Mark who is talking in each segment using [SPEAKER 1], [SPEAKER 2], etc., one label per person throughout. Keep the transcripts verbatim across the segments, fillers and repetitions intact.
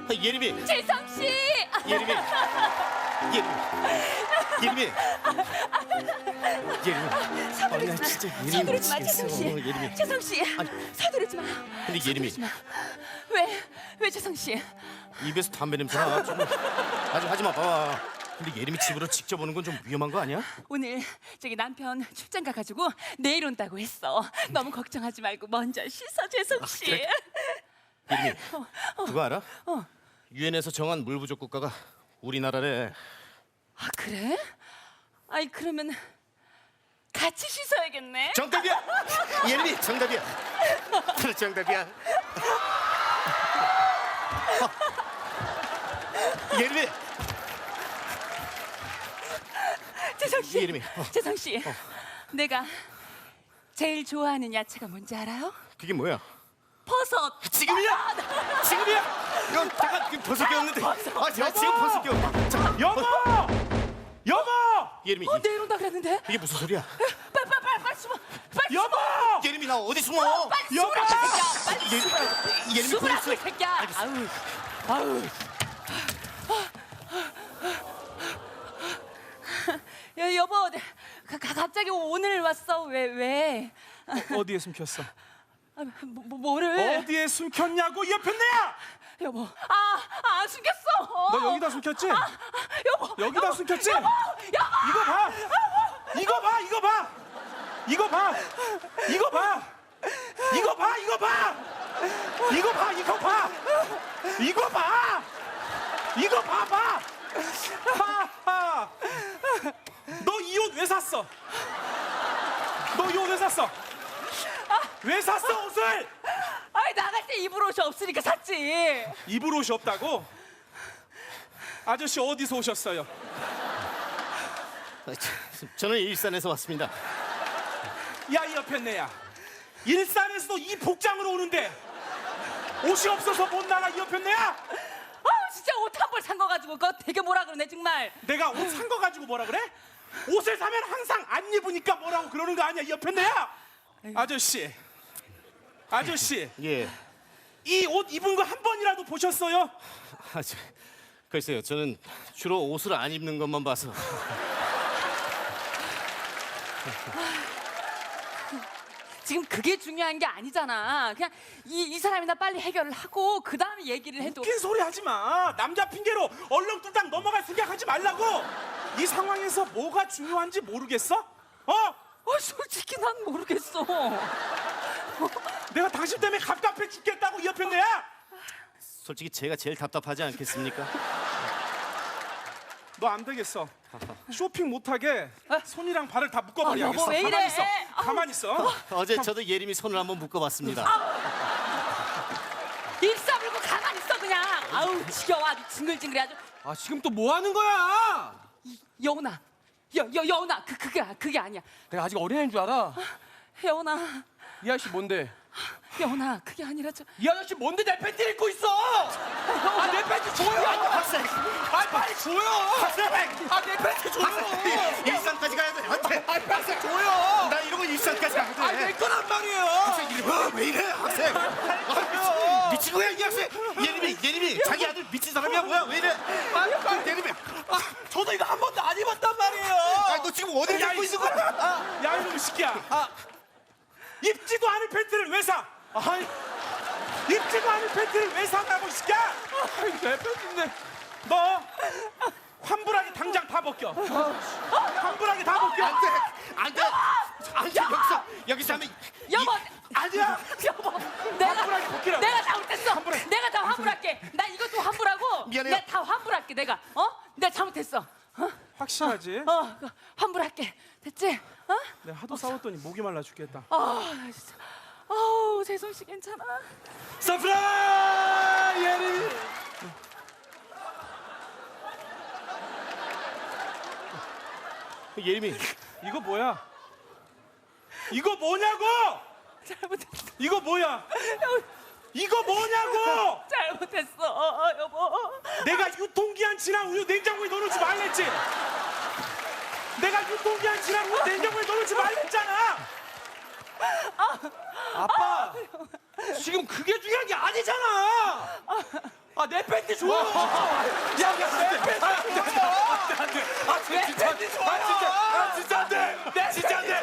[SPEAKER 1] 아, 예림이.
[SPEAKER 2] 재성 씨.
[SPEAKER 1] 예림이. 예림이. 예림이. 예림이.
[SPEAKER 2] 서두르지
[SPEAKER 1] 아,
[SPEAKER 2] 마.
[SPEAKER 1] 진짜 예림이
[SPEAKER 2] 서두르지 마,
[SPEAKER 1] 미치겠어.
[SPEAKER 2] 재성 씨.
[SPEAKER 1] 예림이.
[SPEAKER 2] 재성 씨.
[SPEAKER 1] 아니.
[SPEAKER 2] 서두르지 마.
[SPEAKER 1] 근데 예림이
[SPEAKER 2] 서두르지 마. 왜? 왜 재성 씨?
[SPEAKER 1] 입에서 담배 냄새 나. 좀 아주 하지 마. 봐. 근데 예림이 집으로 직접 오는 건 좀 위험한 거 아니야?
[SPEAKER 2] 오늘 저기 남편 출장 가가지고 내일 온다고 했어. 너무 걱정하지 말고 먼저 씻어, 재성 씨.
[SPEAKER 1] 그래? 예림이. 그거 알아?
[SPEAKER 2] 어.
[SPEAKER 1] 유엔에서 정한 물 부족 국가가 우리나라래.
[SPEAKER 2] 아 그래? 아이 그러면 같이 씻어야겠네.
[SPEAKER 1] 정답이야. 예림이 정답이야. 그래 정답이야. 어. 예림이.
[SPEAKER 2] 재성 씨.
[SPEAKER 1] 예림이. 어.
[SPEAKER 2] 재성 씨. 내가 제일 좋아하는 야채가 뭔지 알아요?
[SPEAKER 1] 그게 뭐야?
[SPEAKER 2] 버섯.
[SPEAKER 1] 지금이야. 지금이야. 이건 잠깐 그 버섯 끼웠는데. 아 제가 지금 버섯 끼웠. 잠깐.
[SPEAKER 3] 여보! 여보!
[SPEAKER 1] 예림이.
[SPEAKER 2] 어 내일 온다 그랬는데.
[SPEAKER 1] 이게 무슨 소리야?
[SPEAKER 2] 빨리 빨리 빨리 빨리 숨어. 빨리
[SPEAKER 3] 여보!
[SPEAKER 1] 예림이 나 어디 숨어?
[SPEAKER 2] 빨리
[SPEAKER 3] 여보!
[SPEAKER 2] 숨으라고 이 새끼야. 빨리
[SPEAKER 1] 예, 예림이
[SPEAKER 2] 숨으라고
[SPEAKER 1] 보냈어.
[SPEAKER 2] 이 새끼야. 아우 아우. 야, 여보, 가, 가, 갑자기 오늘 왔어. 왜 왜?
[SPEAKER 3] 어디에 숨겼어?
[SPEAKER 2] 아, 뭐, 뭐, 뭐를?
[SPEAKER 3] 어디에 숨겼냐고 이 옆에 내야!
[SPEAKER 2] 여보, 아, 아 숨겼어.
[SPEAKER 3] 너 여기다 숨겼지?
[SPEAKER 2] 아, 여보,
[SPEAKER 3] 여기다
[SPEAKER 2] 여보,
[SPEAKER 3] 숨겼지?
[SPEAKER 2] 여보, 여보.
[SPEAKER 3] 이거 봐! 이거 봐! 이거 봐! 이거 봐! 이거 봐! 이거 봐! 이거 봐! 이거 봐! 이거 봐! 이거 봐! 이거 봐봐! 하하! 너 이 옷 왜 샀어? 너 이 옷 왜 샀어? 왜 샀어 옷을?
[SPEAKER 2] 아이 나갈 때 입을 옷이 없으니까 샀지.
[SPEAKER 3] 입을 옷이 없다고? 아저씨 어디서 오셨어요?
[SPEAKER 1] 아, 저- 저는 일산에서 왔습니다.
[SPEAKER 3] 야 이 옆에 내야 일산에서도 이 복장으로 오는데 옷이 없어서 못 나가 이 옆에 내야
[SPEAKER 2] 아 진짜 옷 한 벌 산 거 가지고 그거 되게 뭐라 그러네 정말.
[SPEAKER 3] 내가 옷 산 거 가지고 뭐라 그래? 옷을 사면 항상 안 입으니까 뭐라고 그러는 거 아니야 이 옆에 내야 아저씨 아저씨
[SPEAKER 1] 예.
[SPEAKER 3] 이 옷 입은 거 한 번이라도 보셨어요?
[SPEAKER 1] 아, 저, 글쎄요. 저는 주로 옷을 안 입는 것만 봐서.
[SPEAKER 2] 지금 그게 중요한 게 아니잖아. 그냥 이, 이 사람이나 빨리 해결을 하고 그 다음에 얘기를 해도.
[SPEAKER 3] 웃긴 소리 하지 마 남자 핑계로 얼렁뚱땅 넘어갈 생각하지 말라고 이 상황에서 뭐가 중요한지 모르겠어? 어?
[SPEAKER 2] 어, 솔직히 난 모르겠어.
[SPEAKER 3] 내가 당신 때문에 갑갑해 죽겠다고 이 옆에 내야
[SPEAKER 1] 솔직히 제가 제일 답답하지 않겠습니까?
[SPEAKER 3] 너 안 되겠어. 쇼핑 못하게 손이랑 발을 다 묶어버려야겠어.
[SPEAKER 2] 아, 여보, 왜 이래?
[SPEAKER 3] 가만히 있어.
[SPEAKER 2] 아우.
[SPEAKER 3] 가만히 있어.
[SPEAKER 1] 어제 저도 예림이 손을 한번 묶어봤습니다.
[SPEAKER 2] 일사불고 가만히 있어 그냥. 아우 지겨워 아주 징글징글해 아주.
[SPEAKER 4] 아 지금 또 뭐 하는 거야?
[SPEAKER 2] 이, 여운아, 여, 여, 여운아 그, 그게, 그게 아니야.
[SPEAKER 4] 내가 아직 어린애인 줄 알아?
[SPEAKER 2] 여운아,
[SPEAKER 4] 이 아저씨 뭔데?
[SPEAKER 2] 여운아 그게 아니라 저.
[SPEAKER 4] 이 아저씨 뭔데 내 팬티를 입고 있어? 아 내 팬티 줘요!
[SPEAKER 1] 학생!
[SPEAKER 4] 아 빨리 줘요!
[SPEAKER 1] 학생!
[SPEAKER 4] 아 내 팬티 줘요!
[SPEAKER 1] 일산까지 가야 돼. 안 돼.
[SPEAKER 4] 아 빨리 줘요!
[SPEAKER 1] 나 이러고 일산까지 가야 돼.
[SPEAKER 4] 아 내 거란 말이에요!
[SPEAKER 1] 학생 이래. 어, 왜 이래 학생? 아, 미친 거야 이 학생? 예림이 예림이 자기 아들 미친 사람이야 뭐야 왜 이래?
[SPEAKER 4] 아 빨리
[SPEAKER 1] 예림이.
[SPEAKER 4] 아 저도 이거 한 번도 안 입었단 말이에요!
[SPEAKER 1] 아너 지금 어디
[SPEAKER 3] 야,
[SPEAKER 1] 입고
[SPEAKER 3] 이
[SPEAKER 1] 있는 거야?
[SPEAKER 3] 새끼야. 야 이놈의 새끼야. 아, 입지도 않은 팬티를 왜 사?
[SPEAKER 4] 아이
[SPEAKER 3] 입지도 않은 팬티를 왜 사냐고 이 새끼야.
[SPEAKER 4] 내 팬티인데
[SPEAKER 3] 너 환불하게 당장 다 벗겨. 환불하게 다 벗겨.
[SPEAKER 1] 안 돼. 안 돼. 안 돼. 여기서 여기서 하면
[SPEAKER 2] 여보,
[SPEAKER 3] 아니야.
[SPEAKER 2] 여보, 내가
[SPEAKER 3] 환불하게 벗기라고.
[SPEAKER 2] 내가 잘못했어.
[SPEAKER 3] 환불해.
[SPEAKER 2] 내가 다 환불할게. 나 이것도 환불하고.
[SPEAKER 1] 미안해요.
[SPEAKER 2] 내가 다 환불할게 내가. 어? 내가 잘못했어. 어?
[SPEAKER 3] 확실하지?
[SPEAKER 2] 어, 그, 환불할게. 됐지? 어?
[SPEAKER 3] 내가 하도 싸웠더니 목이 말라 죽겠다.
[SPEAKER 2] 아, 진짜. 아우, 재성 씨 괜찮아?
[SPEAKER 3] 서프라이 예림이.
[SPEAKER 1] 예림이
[SPEAKER 3] 이거 뭐야? 이거 뭐냐고?
[SPEAKER 2] 잘못했어.
[SPEAKER 3] 이거 뭐야? 이거 뭐냐고?
[SPEAKER 2] 잘못했어, 어, 여보.
[SPEAKER 3] 내가 유통기한 지난 우유 냉장고에 넣어놓지 말랬지? 내가 유통기한 지난 우유 냉장고에 넣어놓지 말랬잖아.
[SPEAKER 4] 아빠 지금 그게 중요한 게 아니잖아! 아, 내 팬티 줘요. 야, 내 팬티 줘요.
[SPEAKER 3] 아 진짜
[SPEAKER 4] 팬티 줘요.
[SPEAKER 3] 아 진짜 아 진짜 안돼 진짜 안돼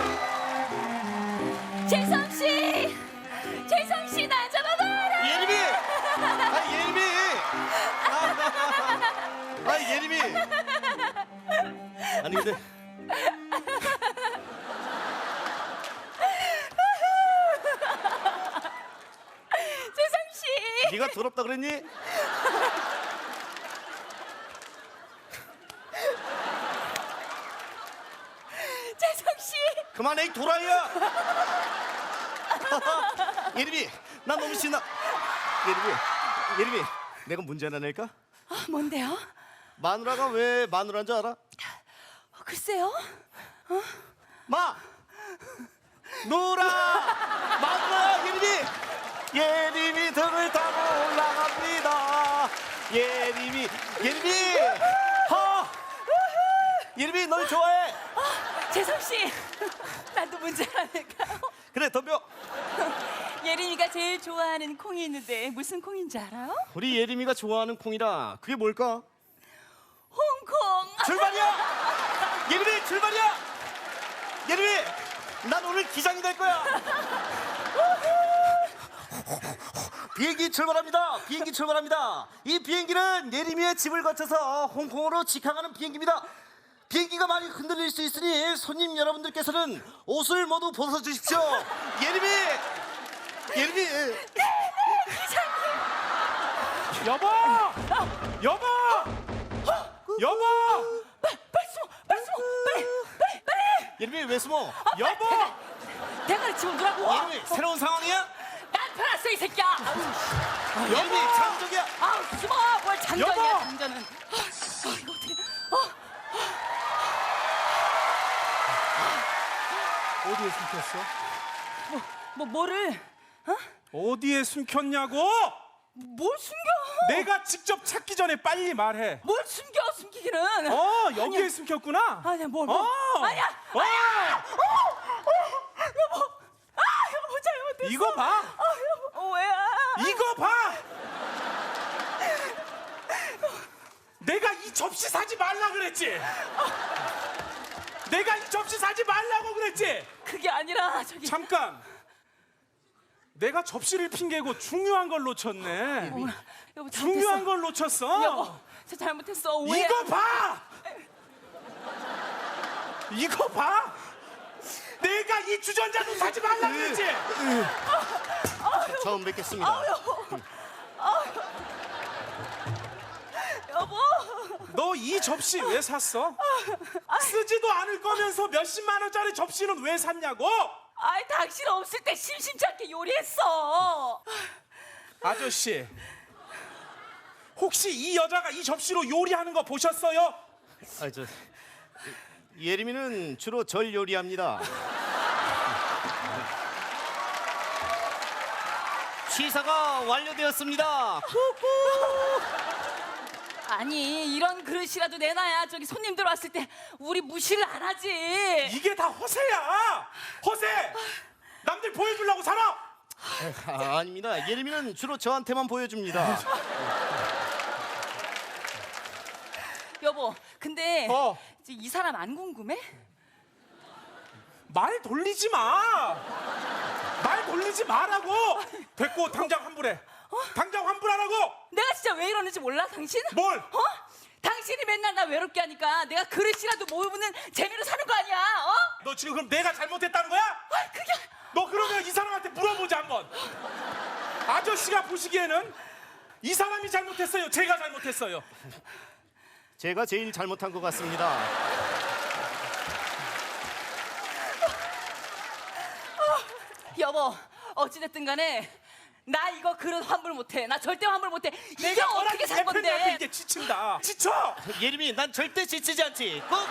[SPEAKER 2] 재성 씨, 재성 씨 나 잡아봐라.
[SPEAKER 1] 예림이! 아 예림이! 아 예림이! 아니 근데
[SPEAKER 2] 재성 씨.
[SPEAKER 1] 네가 더럽다 그랬니?
[SPEAKER 2] 재성 씨.
[SPEAKER 1] 그만해 이 도라이야! 예림이 나 너무 신나. 예림이 예림이 내가 문제 하나 낼까?
[SPEAKER 2] 아, 뭔데요?
[SPEAKER 1] 마누라가 왜 마누라인 줄 알아?
[SPEAKER 2] 어, 글쎄요.
[SPEAKER 1] 마! 누라! 마누라 예림이! 예림이 등을 타고 올라갑니다. 예림이 예림이! 허! 예림이 널 좋아해.
[SPEAKER 2] 재성 씨. 나도 문제 하나 낼까요?
[SPEAKER 1] 그래 덤벼.
[SPEAKER 2] 예림이가 제일 좋아하는 콩이 있는데 무슨 콩인지 알아요?
[SPEAKER 1] 우리 예림이가 좋아하는 콩이라 그게 뭘까?
[SPEAKER 2] 홍콩.
[SPEAKER 1] 출발이야! 예림이 출발이야! 예림이 난 오늘 기장이 될 거야. 비행기 출발합니다. 비행기 출발합니다. 이 비행기는 예림이의 집을 거쳐서 홍콩으로 직항하는 비행기입니다. 비행기가 많이 흔들릴 수 있으니 손님 여러분들께서는 옷을 모두 벗어주십시오. 예림이 예림이
[SPEAKER 3] 여보 여보 여보
[SPEAKER 2] 빨리 숨어, 빨리 숨어, 빨리, 빨리, 빨리.
[SPEAKER 1] 예림이 왜 숨어?
[SPEAKER 3] 여보
[SPEAKER 2] 대가리 집어넣으라고.
[SPEAKER 1] 예림이 새로운 상황이야?
[SPEAKER 2] 난 편했어 이 새끼야.
[SPEAKER 1] 예림이 장적이야.
[SPEAKER 2] 아우 숨어. 뭘 장전이야
[SPEAKER 3] 여보!
[SPEAKER 2] 장전은. 아, 아, 이거 어떻게? 어,
[SPEAKER 3] 어디에 숨겼어?
[SPEAKER 2] 뭐, 뭐 뭐를? 어?
[SPEAKER 3] 어디에 숨겼냐고?
[SPEAKER 2] 뭘 숨겨?
[SPEAKER 3] 내가 직접 찾기 전에 빨리 말해.
[SPEAKER 2] 뭘 숨겨? 숨기기는.
[SPEAKER 3] 어 여기에
[SPEAKER 2] 아니야.
[SPEAKER 3] 숨겼구나.
[SPEAKER 2] 아니야 뭘? 뭘.
[SPEAKER 3] 어.
[SPEAKER 2] 아니야.
[SPEAKER 3] 어.
[SPEAKER 2] 여보. 아 여보 잘못했어.
[SPEAKER 3] 이거 봐.
[SPEAKER 2] 아 여보. 어, 왜야?
[SPEAKER 3] 이거 봐. 내가 이 접시 사지 말라 그랬지. 내가 이 접시 사지 말라고 그랬지.
[SPEAKER 2] 그게 아니라 저기.
[SPEAKER 3] 잠깐. 내가 접시를 핑계고 중요한 걸 놓쳤네.
[SPEAKER 2] 어머나, 여보 잘못했어.
[SPEAKER 3] 중요한 걸 놓쳤어.
[SPEAKER 2] 여보 저 잘못했어. 오해.
[SPEAKER 3] 이거 봐. 이거 봐. 내가 이 주전자도 사지 말라 그랬지.
[SPEAKER 1] 처음 뵙겠습니다.
[SPEAKER 2] 여보.
[SPEAKER 3] 너 이 접시 왜 샀어? 쓰지도 않을 거면서 몇십만 원짜리 접시는 왜 샀냐고?
[SPEAKER 2] 아이 당신 없을 때 심심찮게 요리했어.
[SPEAKER 3] 아저씨, 혹시 이 여자가 이 접시로 요리하는 거 보셨어요?
[SPEAKER 1] 아, 저 예림이는 주로 절 요리합니다. 취사가 완료되었습니다.
[SPEAKER 2] 아니 이런 그릇이라도 내놔야 저기 손님들 왔을 때 우리 무시를 안 하지.
[SPEAKER 3] 이게 다 허세야. 허세. 남들 보여주려고 살아.
[SPEAKER 1] 아, 아닙니다. 예림이는 주로 저한테만 보여줍니다.
[SPEAKER 2] 여보 근데
[SPEAKER 3] 어.
[SPEAKER 2] 이제 이 사람 안 궁금해?
[SPEAKER 3] 말 돌리지 마. 말 돌리지 마라고. 됐고 당장 환불해. 당장 환불하라고.
[SPEAKER 2] 내가 진짜 왜 이러는지 몰라 당신?
[SPEAKER 3] 뭘?
[SPEAKER 2] 어? 당신이 맨날 나 외롭게 하니까 내가 그릇이라도 모으는 재미로 사는 거 아니야? 어?
[SPEAKER 3] 너 지금 그럼 내가 잘못했다는 거야?
[SPEAKER 2] 아 그게
[SPEAKER 3] 너 그러면 이 사람한테 물어보자 한번. 아저씨가 보시기에는 이 사람이 잘못했어요, 제가 잘못했어요?
[SPEAKER 1] 제가 제일 잘못한 것 같습니다.
[SPEAKER 2] 여보 어찌됐든 간에 나 이거 그릇 환불 못해. 나 절대 환불 못해. 이게
[SPEAKER 3] 내가
[SPEAKER 2] 어떻게 산
[SPEAKER 3] 대표님한테
[SPEAKER 2] 건데?
[SPEAKER 3] 이게 지친다. 지쳐.
[SPEAKER 1] 예림이 난 절대 지치지 않지. 꾹꾹.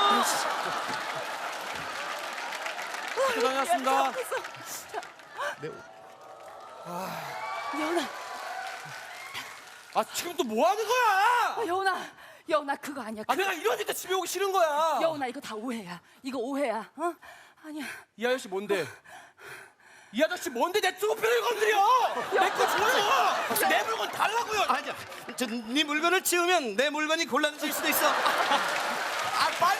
[SPEAKER 4] 고생하셨습니다.
[SPEAKER 1] 네,
[SPEAKER 2] 여운아,
[SPEAKER 4] 아, 지금 또 뭐 하는 거야?
[SPEAKER 2] 여운아, 여운아 그거 아니야.
[SPEAKER 4] 아,
[SPEAKER 2] 그,
[SPEAKER 4] 내가 이러니까 집에 오기 싫은 거야.
[SPEAKER 2] 여운아 이거 다 오해야. 이거 오해야. 어? 아니야.
[SPEAKER 4] 이 아저씨 뭔데? 이 아저씨 뭔데 내 투표를 건드려? 내 거 줘요. 내 물건 달라고요.
[SPEAKER 1] 아니야. 저네 물건을 치우면 내 물건이 곤란해질 수도 있어.
[SPEAKER 4] 아 빨리.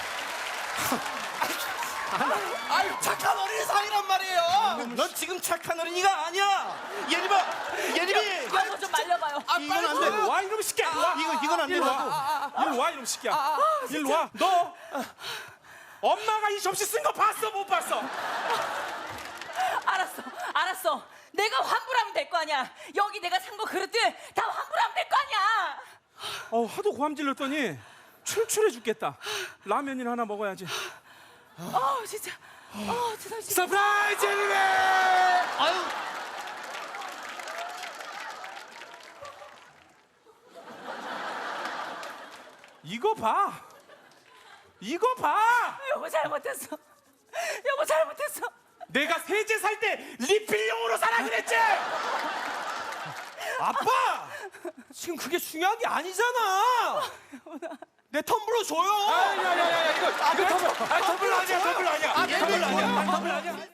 [SPEAKER 4] 아유 착한 어린이 상이란 말이에요.
[SPEAKER 1] 넌 지금 착한 어린이가 아니야. 예림아, 예림이.
[SPEAKER 2] 여보 좀 말려봐요.
[SPEAKER 4] 아
[SPEAKER 1] 이건
[SPEAKER 4] 빨리
[SPEAKER 1] 안 돼.
[SPEAKER 3] 일로 와 이놈 새끼야. 일로 와.
[SPEAKER 1] 이거 이건 안
[SPEAKER 3] 일로
[SPEAKER 1] 된다고.
[SPEAKER 3] 와. 일로 와 이놈 새끼야. 일로 와. 너 엄마가 이 접시 쓴 거 봤어 못 봤어?
[SPEAKER 2] 알았어, 알았어. 내가 환불하면 될 거 아니야. 여기 내가 산 거 그릇들 다 환불하면 될 거 아니야.
[SPEAKER 3] 어 하도 고함질렀더니 출출해 죽겠다. 라면이나 하나 먹어야지.
[SPEAKER 2] 어 진짜. 어 진짜. 진짜.
[SPEAKER 3] 서프라이즈 예림이.
[SPEAKER 1] 아유.
[SPEAKER 3] 이거 봐. 이거 봐.
[SPEAKER 2] 여보 잘못했어. 여보 잘못했어.
[SPEAKER 3] 내가 세제 살 때 리필용으로 사라 그랬지.
[SPEAKER 4] 아빠 지금 그게 중요한 게 아니잖아. 내 텀블러 줘요.
[SPEAKER 3] 야야야야 이거 이거 텀블러. 아 텀블러 아니야 텀블러 아니야.
[SPEAKER 4] 아, 텀블러 아니야.
[SPEAKER 3] 텀블러 아니야.